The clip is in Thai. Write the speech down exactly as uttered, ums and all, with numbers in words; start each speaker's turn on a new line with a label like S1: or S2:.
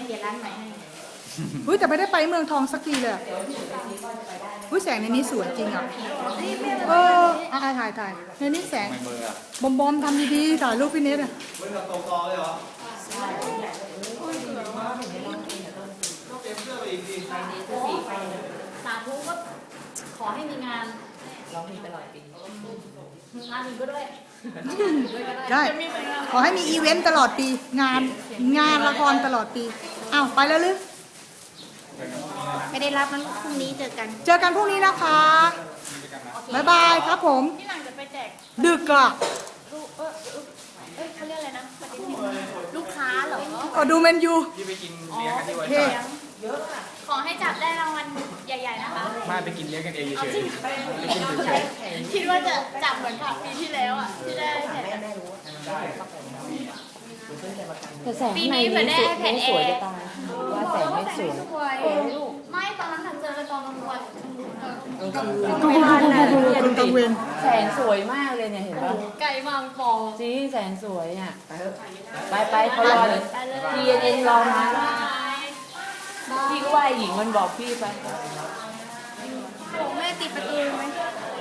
S1: เปลี่ยนร้านใหม่ให้
S2: อุ้ยแต่ไม่ได้ไปเมืองทองสักทีเลยอุ้ยแสงในนี้สวยจริงอ่ะเอออ่ะถ่ายถ่ายในนี้แสงบอมบอมทำดีๆถ่ายรูปพี่เนทอ่ะ
S3: เว้ยกับโตกอเลยเหรอเก็บเสื้อไปอีกดิ
S1: สาธุก็ขอให้มีงาน
S4: ร้องเพลงตลอดปี
S1: งานอื่นก็ด้วย
S2: ได้ขอให้มีอีเวนต์ตลอดปีงานงานละครตลอดปีอ้าวไปแล้วหรือ
S1: ไม่ได้รับมันพรุ่งนี้เจอกัน
S2: เจอกันพรุ่งนี้นะคะบ๊ายบายครับผม
S1: ที่หลังจะไปแจก
S2: ดึกอ่ะ
S1: ลูกเออเอ้ยเขาเรียกอะไรนะปฏิทินลูกค้าเหรอ
S2: ก็ดูเมนยู
S3: ที่ไปกินเลี้ยงกันที่
S2: โอ
S3: วัน
S2: เค
S3: จันทร์
S1: ขอให้จับได้รางวัลใหญ่ๆนะคะ
S3: มาไปกินเลี้ยงกันเองเฉยๆไปกินเฉย
S1: คิดว่าจะจับเหมือนกับปีที่แล้วอ่ะที่ได้แผ่น
S4: แต่แสงในนี้ไม่สวยจะตายว่าแสงไม่สวย
S1: ไม่ตอนนั้นถังเจอเลยตอนกลางวัน
S4: กลางคืน
S2: กูกูกูกูกูกังเวน
S4: แสงสวยมากเลยเนี่ยเห็นปะ
S1: ไก่มังปอ
S4: จริงแสงสวยอ่ะไปไปเขารอเลย ทีเอ็นรอมาพี่ก็ว่าหญิงมันบอกพี่ไป
S1: ผมแม่ติดประตูไหม